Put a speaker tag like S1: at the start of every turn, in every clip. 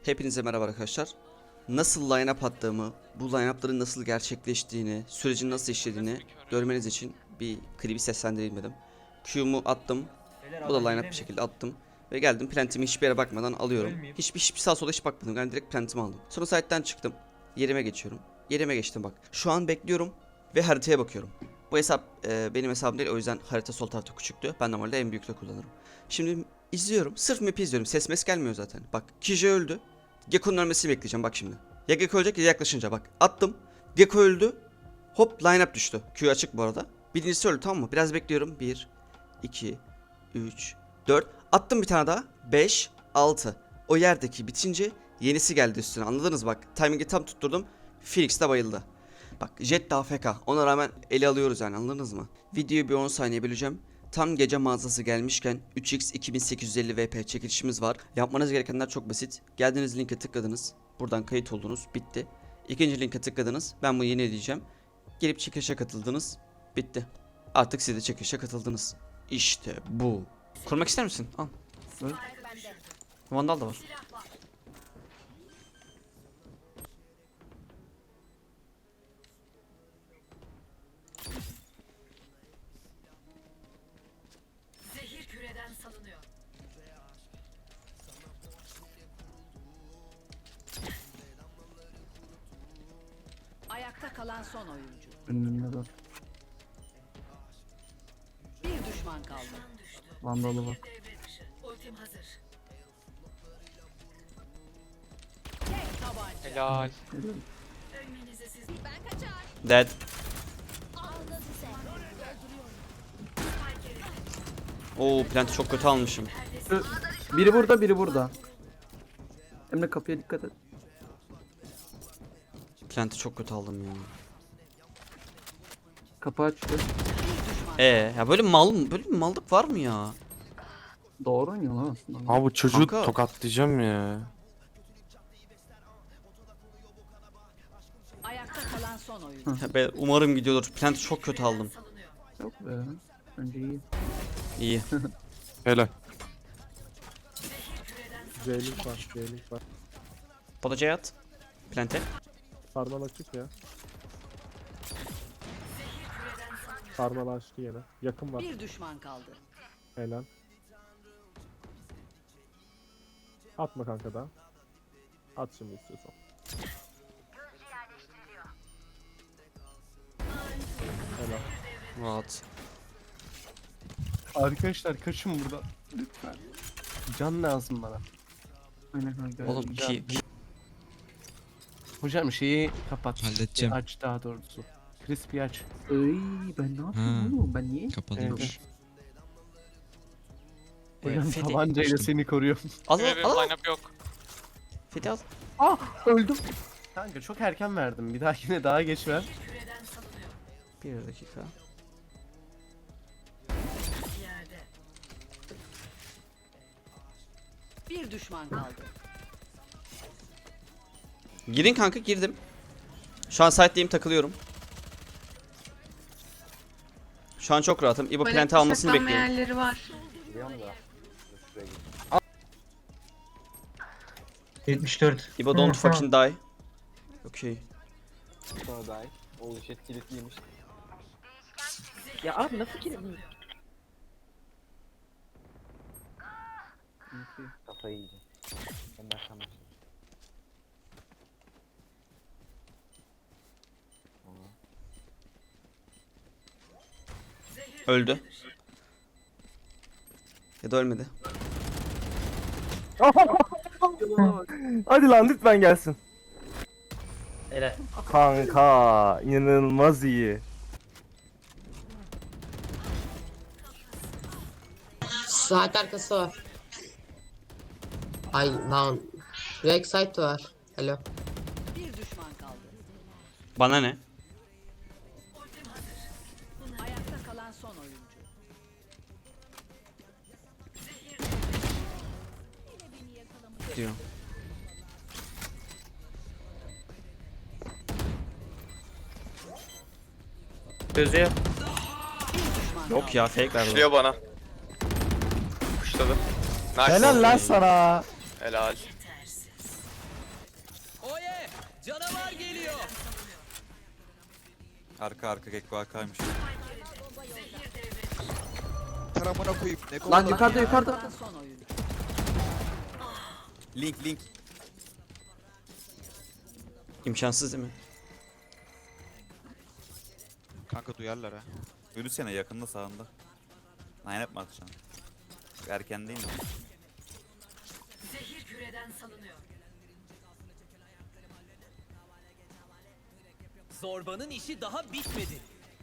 S1: Hepinize merhaba arkadaşlar. Nasıl line-up attığımı, bu line-up'ların nasıl gerçekleştiğini, sürecin nasıl işlediğini görmeniz için bir klibi seslendireyim dedim. Q'mu attım. Bu da line-up bir şekilde attım. Ve geldim plantimi hiçbir yere bakmadan alıyorum. Hiçbir sağa sola hiç bakmadım. Yani direkt plantimi aldım. Sonra site'den çıktım. Yerime geçiyorum. Yerime geçtim bak. Şu an bekliyorum ve haritaya bakıyorum. Bu hesap benim hesabım değil, o yüzden harita sol tarafta küçüktü. Ben normalde en büyükte kullanırım. Şimdi izliyorum. Sırf map'i izliyorum. Ses mes gelmiyor zaten. Bak Kije öldü. Gekko'nun ölmesini bekleyeceğim bak şimdi. Ya Gekko ölecek ya yaklaşınca bak. Attım. Gekko öldü. Hop line-up düştü. Q açık bu arada. Birincisi öldü, tamam mı? Biraz bekliyorum. 1, 2, 3, 4. Attım bir tane daha. 5, 6. O yerdeki bitince yenisi geldi üstüne. Anladınız bak. Timing'i tam tutturdum. Phoenix de bayıldı. Bak Jet de AFK. Ona rağmen ele alıyoruz yani, anladınız mı? Videoyu bir 10 saniye böleceğim. Tam gece mağazası gelmişken 3x 2850 VP çekilişimiz var. Yapmanız gerekenler çok basit. Geldiğiniz linke tıkladınız. Buradan kayıt oldunuz. Bitti. İkinci linke tıkladınız. Ben bunu yeni edeceğim. Gelip çekilişe katıldınız. Bitti. Artık siz de çekilişe katıldınız. İşte bu. Kurmak ister misin? Al. Böyle. Vandal da var.
S2: Zehir küreden salınıyor. Ayakta kalan son oyuncu.
S3: Önünde de
S2: Bir düşman kaldı.
S3: vandalı var.
S2: Ultim hazır.
S4: Helal.
S2: Ölmenize siz
S1: Dead. Oo, planti çok kötü almışım.
S3: Biri burada, biri burada. Emre kapıya dikkat et.
S1: Planti çok kötü aldım ya.
S3: Kapı açtı.
S1: Ya böyle bir mallık var mı ya?
S3: Doğru oynuyor lan aslında.
S4: Abi bu çocuğu
S1: Kanka.
S4: tokatlayacağım ya.
S2: ayakta kalan son oyuncu.
S1: Ya umarım gidiyordur. Planti çok kötü aldım.
S2: Salınıyor.
S3: Yok be. Önce iyi.
S1: İyi.
S4: Helal.
S5: Zeylik var, zeylik var.
S1: Podacaya at. Plante.
S5: Sarmal açık ya. Sarmal açtı yine. Yakın var.
S2: Bir düşman kaldı.
S5: Helal. Atma kanka da. At şimdi istiyorsan. Helal.
S1: Rahat.
S6: Arkadaşlar kaçın burada. Lütfen. Can lazım bana.
S3: Aynen kanka.
S1: Oğlum ki
S6: Hocam şeyi kapat.
S7: Halledeceğim.
S6: Aç daha doğrusu. Crispy aç.
S3: Ay ben ne yapıyorum oğlum? Ben niye?
S7: Kapalıymış.
S6: Hocam
S1: Fethi.
S6: tabancayla
S7: Açtım.
S6: seni koruyor.
S1: Al
S4: Böyle bir
S1: al al.
S4: line-up yok.
S1: Fethi al.
S6: Öldüm. Kanka çok erken verdim. Bir dahakine daha geç ver.
S2: Küreden salınıyor.
S1: Bir dakika.
S2: Yerde. Bir düşman kaldı.
S1: Girin kanka, girdim. Şu an site'deyim, takılıyorum. Şu an çok rahatım. İbo planti almasını bekliyorum.
S8: yerleri var.
S9: 74.
S1: İbo don't fucking die. Okay.
S3: Ya abi nasıl kilim?
S1: Öldü. Ya da ölmedi.
S6: Hadi lan lütfen gelsin. Kanka inanılmaz iyi.
S8: Saat arkası var. Ay lan. Backside var. Alo.
S2: Bir düşman kaldı.
S1: Bana ne?
S2: Ayakta kalan son oyuncu.
S1: Diyor.
S9: Gözü yok.
S1: Yok ya, fake verdi.
S4: Kuşluyor bana. Kuşladı. Nice.
S6: Helal lan sana.
S4: Helal.
S7: Arka arka Gekko arkaymış.
S10: Taramına koyup ne
S3: Lan yukarıda yukarıda.
S2: Kalan son oyuncu.
S7: Link.
S1: İmkansız değil mi?
S10: Kanka duyarlar ha.
S7: Yürüsene yakında sağında. Line up mı atacaksın? Erken değil mi?
S2: Zehir küreden salınıyor.
S11: Zorbanın işi daha bitmedi.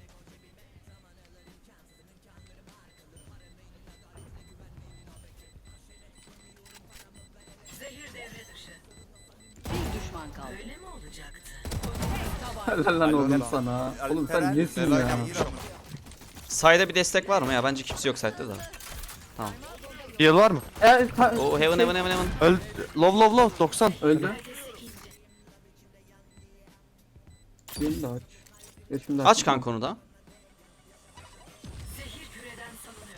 S2: Zehir devre dışı. Bir düşman kaldı. Öyle mi olacaktı?
S3: Helal lan oğlum sana. Oğlum sen nesin ya?
S1: Side'e bir destek var mı ya? Bence kimse yok side'de da.
S4: Heal var mı?
S1: O heaven.
S4: Öl. Low 90.
S3: Öldü. Beni de aç. Ya şimdi
S1: Aç kanka onu da.
S2: Zehir küreden salınıyor.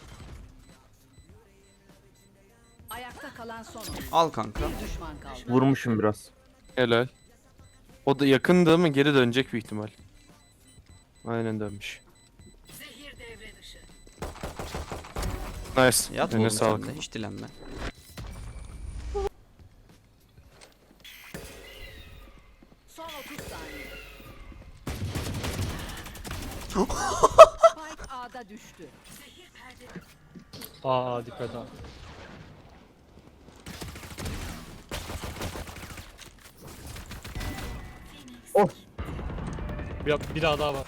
S2: Ayakta kalan son oyuncu.
S1: Al kanka.
S2: Bir düşman kaldı.
S5: Vurmuşum biraz.
S4: Helal. O da yakındı ama geri dönecek bir ihtimal. Aynen dönmüş.
S2: Zehir devre dışı.
S4: Nice.
S1: Yat
S4: Eline
S1: oğlum
S4: sağlık.
S1: sen de. Hiç dilenme.
S2: Son 30 saniye. Spike A'da düştü. Zehir perde.
S5: Aa dikkat ha. Of. Bir daha var.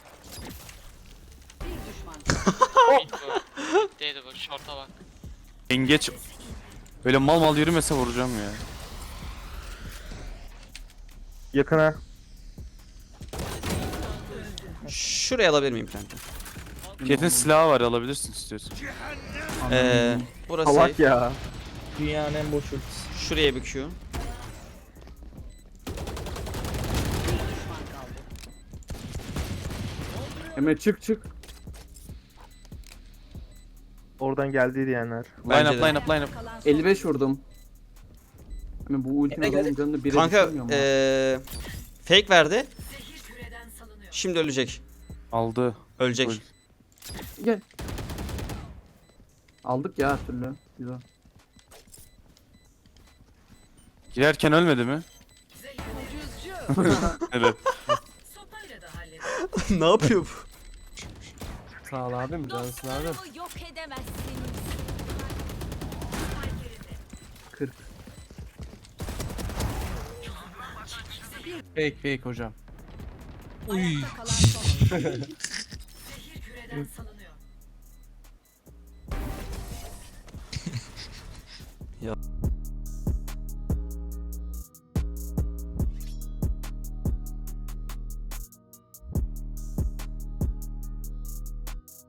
S2: Bir düşman kaldı.
S11: Değdi bak şorta bak.
S4: Engeç. Böyle mal yürümese vuracağım ya.
S5: Yakına.
S1: Şuraya alabilir miyim kanka?
S4: Jet'in silahı var alabilirsin istiyorsan.
S1: Burası
S5: Salak ya. Dünyanın en boş ultisi.
S1: şuraya bir Q.
S2: Bir düşman kaldı.
S3: Emre çık.
S5: Oradan geldi diyenler.
S1: Bence de.
S4: Line up.
S2: Kalan son
S3: 55 vurdum. Ama bu ultinin adamın canını bire
S1: Kanka
S3: düşürmüyor mu?
S1: fake verdi.
S2: zehir küreden salınıyor.
S1: Şimdi ölecek.
S4: Aldı.
S1: Ölecek.
S4: Öl.
S3: Gel. Aldık ya her türlü. Güzel.
S4: Girerken ölmedi mi?
S2: Ucuzcu.
S4: Evet.
S2: Sopayla da halleder.
S1: Ne yapıyor bu?
S6: Sağ ol abim. Cansın abim.
S2: Yok edemezsiniz.
S3: 40.
S6: Fake hocam.
S2: Ayakta kalan son oyuncu. Zehir küreden salınıyor.
S1: Ya.